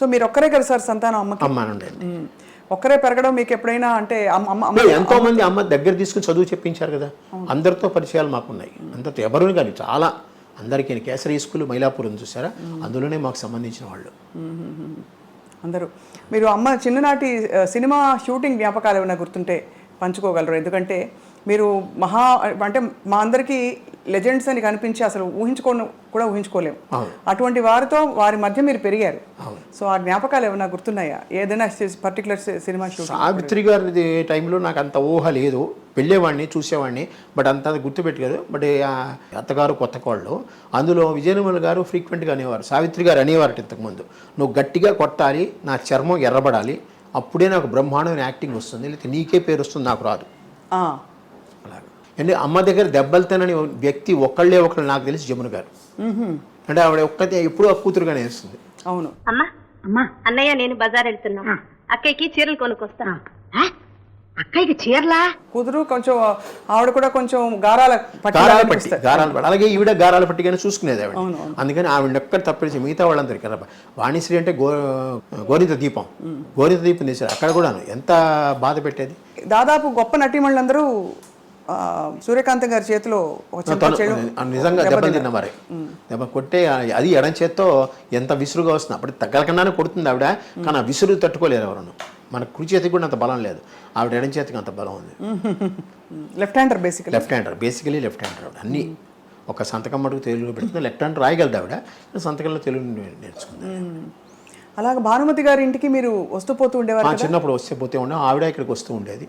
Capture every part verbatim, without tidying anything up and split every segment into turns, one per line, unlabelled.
So మీరు ఒక్కరే కదా సార్ సంతానం అమ్మకి?
అమ్మానండి.
ఒక్కరే పెరగడం మీకు ఎప్పుడైనా అంటే
ఎంతో మంది అమ్మ దగ్గర తీసుకుని చదువు చెప్పించారు కదా, అందరితో పరిచయాలు మాకున్నాయి. అందరితో ఎవరు కానీ చాలా అందరికీ కేసరి స్కూల్ మైలాపురం చూసారా, అందులోనే మాకు సంబంధించిన వాళ్ళు
అందరూ. మీరు అమ్మ చిన్ననాటి సినిమా షూటింగ్ జ్ఞాపకాలు ఏమైనా గుర్తుంటే పంచుకోగలరు? ఎందుకంటే మీరు మహా అంటే మా అందరికీ లెజెండ్స్ అని కనిపించి అసలు ఊహించుకో కూడా ఊహించుకోలేము. అటువంటి వారితో వారి మధ్య మీరు పెరిగారు. సో ఆ జ్ఞాపకాలు ఏమైనా గుర్తున్నాయా ఏదైనా పర్టికులర్ సినిమా షూట్?
సావిత్రి గారి టైంలో నాకు అంత ఊహ లేదు, వెళ్ళేవాడిని చూసేవాడిని, బట్ అంత గుర్తుపెట్టుకోదు. బట్ అత్తగారు కొత్త కోళ్ళు అందులో విజయనిర్మల గారు ఫ్రీక్వెంట్గా అనేవారు, సావిత్రి గారు అనేవారు ఇంతకుముందు, నువ్వు గట్టిగా కొట్టాలి, నా చర్మం ఎర్రబడాలి, అప్పుడే నాకు బ్రహ్మాండమైన యాక్టింగ్ వస్తుంది, లేకపోతే నీకే పేరు వస్తుంది, నాకు రాదు. అలాగే అంటే అమ్మ దగ్గర దెబ్బలు తినని వ్యక్తి ఒక్కళ్ళే ఒకళ్ళు నాకు తెలిసి జమున గారు. అంటే ఆవిడ ఒక్కతే ఎప్పుడూ ఆ కూతురుగానే వేస్తుంది.
అవును.
అమ్మా అమ్మా అన్నయ్య నేను బజార్ వెళ్తున్నా, అక్కయ్యకి చీరలు కొనుక్కొస్తా. అక్కయ్యకి చీరలా?
కూతురు కొంచెం ఆవిడ కూడా కొంచెం గారాల
గారాల పట్టి గారాల పట్టి అలాగే ఈవిడ గారాల పట్టిగానే చూసుకునేది ఆవిడ. అందుకని ఆవిడ ఒక్కడ తప్పేసి మిగతా వాళ్ళందరికీ కదా. వాణిశ్రీ అంటే గో గోరిత దీపం, గోరిత దీపం తీశారు, అక్కడ కూడా ఎంత బాధ పెట్టేది.
దాదాపు గొప్ప నటీమణులందరూ సూర్యకాంతం గారి చేతిలో
నిజంగా దెబ్బలు తిన్న మరి దెబ్బ కొట్టే అది ఎడం చేత్తో ఎంత విసురుగా వస్తుంది. అప్పుడు తగ్గలకుండానే కొడుతుంది ఆవిడ, కానీ ఆ విసురు తట్టుకోలేరు ఎవరన్నా. మన కుడి చేతికి కూడా అంత బలం లేదు, ఆవిడ ఎడం చేతికి అంత బలం ఉంది.
Left hander basically
left hander basically left hander ఆవిడ. అన్ని ఒక సంతకం మటుకు తెలుగులో పెడుతుంది, లెఫ్ట్ హ్యాండ్ రాయగలదు ఆవిడ, సంతకంలో తెలుగు నేర్చుకుంది.
అలాగే భానుమతి గారి ఇంటికి మీరు వస్తూ పోతూ ఉండేవారు?
చిన్నప్పుడు వస్తే పోతే ఉండే, ఆవిడ ఇక్కడికి వస్తూ ఉండేది.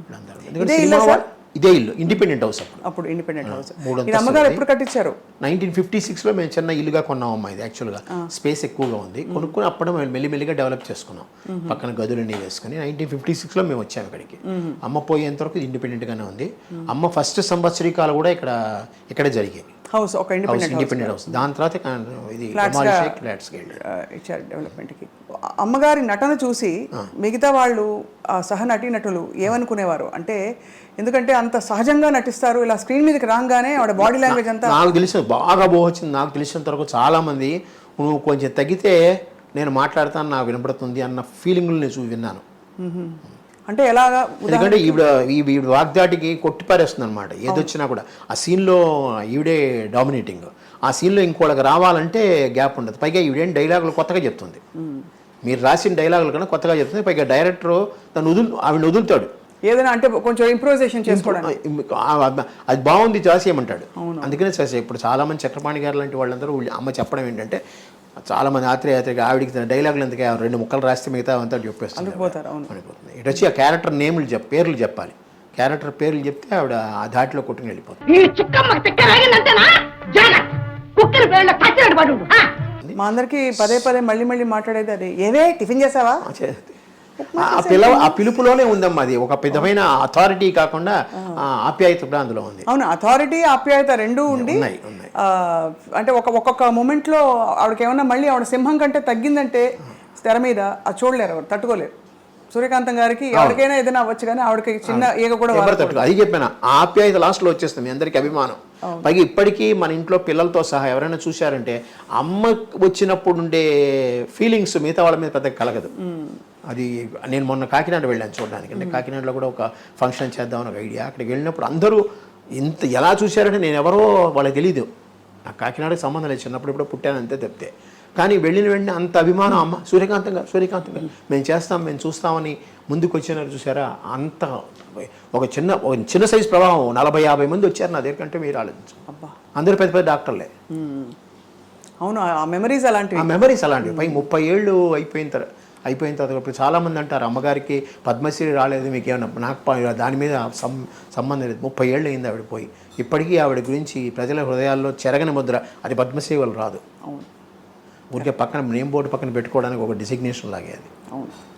ఇదే ఇల్లు, ఇండిపెండెంట్ హౌస్ అప్పుడు
అప్పుడు ఇండిపెండెంట్ హౌస్. అమ్మగారు ఎప్పుడు కట్టించారు?
నైన్టీన్ ఫిఫ్టీ సిక్స్ లో మేము చిన్న ఇల్లుగా కొన్నాం అమ్మా. ఇది యాక్చువల్గా స్పేస్ ఎక్కువగా ఉంది, కొనుక్కుని అప్పుడు మేము మెల్లిమెల్లిగా డెవలప్ చేసుకున్నాం, పక్కన గదులన్నీ వేసుకుని. నైన్టీన్ ఫిఫ్టీ సిక్స్ లో మేము వచ్చాము ఇక్కడికి. అమ్మ పోయేంత వరకు ఇండిపెండెంట్ గానే ఉంది. అమ్మ ఫస్ట్ సంవత్సరీకాలు కూడా ఇక్కడ ఇక్కడే జరిగాయి.
హౌస్ ఒక
ఇండిపెండెంట్ హౌస్. దాని తర్వాత ఇది
ఇచ్చారు డెవలప్మెంట్కి. అమ్మగారి నటన చూసి మిగతా వాళ్ళు సహ నటీనటులు ఏమనుకునేవారు అంటే, ఎందుకంటే అంత సహజంగా నటిస్తారు, ఇలా స్క్రీన్ మీదకి రాగానే ఆవిడ బాడీ లాంగ్వేజ్ అంతా
నాకు తెలిసిన బాగా బాగొచ్చింది. నాకు తెలిసినంత వరకు చాలా మంది నువ్వు కొంచెం తగ్గితే నేను మాట్లాడతాను, నాకు వినపడుతుంది అన్న ఫీలింగ్లు నేను చూసి విన్నాను.
అంటే ఎలాగా?
ఎందుకంటే ఈవిడ ఈవిడ వాగ్దాటికి కొట్టిపారేస్తుంది అనమాట ఏదొచ్చినా కూడా. ఆ సీన్లో ఈవిడే డామినేటింగ్. ఆ సీన్లో ఇంకోళ్ళకి రావాలంటే గ్యాప్ ఉండదు. పైగా ఈవిడేం డైలాగులు కొత్తగా చెప్తుంది, మీరు రాసిన డైలాగులు కన్నా కొత్తగా చెప్తుంది. పైగా డైరెక్టర్ తను వదులు ఆవిడ వదులుతాడు
ఏదైనా అంటే కొంచెం ఇంప్రూవైజేషన్ చేసుకోవడానికి.
అది బాగుంది చేసేయమంటాడు. అందుకనే చేసే ఇప్పుడు చాలామంది చక్రపాణి గారు లాంటి వాళ్ళందరూ అమ్మ చెప్పడం ఏంటంటే, చాలా మంది ఆత్రేయ యాత్రిక ఆవిడికి డైలాగులు ఎందుకు రెండు ముక్కలు రాస్తే మిగతా అంతా చెప్పేస్తుంది. అనిపోతుంది. ఇటు వచ్చి ఆ క్యారెక్టర్ నేమ్లు చెప్ పేర్లు చెప్పాలి, క్యారెక్టర్ పేర్లు చెప్తే ఆవిడ ఆ ధాటిలో కొట్టుకుని వెళ్ళిపోతుంది.
మా అందరికి పదే పదే మళ్ళీ మళ్ళీ మాట్లాడేది అది, ఏవే టిఫిన్ చేసావా?
ఆ పిలవ ఆ పిలుపులోనే ఉందమ్మా. అది ఒక విధమైన అథారిటీ కాకుండా ఆప్యాయత కూడా అందులో ఉంది.
అవును, అథారిటీ ఆప్యాయత రెండూ ఉండి అంటే ఒక ఒక్కొక్క మూమెంట్లో ఆవిడకి ఏమన్నా మళ్ళీ ఆవిడ సింహం కంటే తగ్గిందంటే తెర మీద అది చూడలేరు, ఎవరు తట్టుకోలేరు. సూర్యకాంతం గారికి ఎవరికైనా ఏదైనా అవ్వచ్చు, కానీ ఆవిడకి చిన్న ఈగ కూడా
అది చెప్పాను. ఆప్యాయత లాస్ట్లో వచ్చేస్తుంది, మీ అందరికి అభిమానం. పైగా ఇప్పటికీ మన ఇంట్లో పిల్లలతో సహా ఎవరైనా చూశారంటే అమ్మ వచ్చినప్పుడు ఉండే ఫీలింగ్స్ మిగతా వాళ్ళ మీద పెద్దగా కలగదు. అది నేను మొన్న కాకినాడ వెళ్ళాను చూడడానికి. అంటే కాకినాడలో కూడా ఒక ఫంక్షన్ చేద్దామని ఒక ఐడియా. అక్కడికి వెళ్ళినప్పుడు అందరూ ఇంత ఎలా చూశారంటే నేను ఎవరో వాళ్ళకి తెలీదు, నాకు కాకినాడకి సంబంధం లేదు, చిన్నప్పుడు ఇప్పుడు పుట్టాను అంతే తప్పితే. కానీ వెళ్ళిన వెంటనే అంత అభిమానం, అమ్మ సూర్యకాంతం గారు సూర్యకాంతం గారు మేము చేస్తాం మేము చూస్తామని ముందుకు వచ్చినారు చూసారా. అంత ఒక చిన్న ఒక చిన్న సైజు ప్రభావం, నలభై యాభై మంది వచ్చారు నా దగ్గర కంటే మీరు ఆలోచించు. అందరూ పెద్ద పెద్ద డాక్టర్లే.
అవును, ఆ మెమరీస్ అలాంటివి,
ఆ మెమరీస్ అలాంటివి. పై ముప్పై ఏళ్ళు అయిపోయిన తర్వాత అయిపోయిన తర్వాత ఇప్పుడు చాలామంది అంటారు అమ్మగారికి పద్మశ్రీ రాలేదు మీకు ఏమన్నా. నాకు దాని మీద సం సంబంధం లేదు. ముప్పై ఏళ్ళు అయింది ఆవిడ పోయి. ఇప్పటికీ ఆవిడ గురించి ప్రజల హృదయాల్లో చెరగని ముద్ర. అది పద్మశ్రీ వాళ్ళు రాదు, ఊరికే పక్కన నేమ్ బోర్డు పక్కన పెట్టుకోవడానికి ఒక డిసిగ్నేషన్ లాగే అది.
అవును.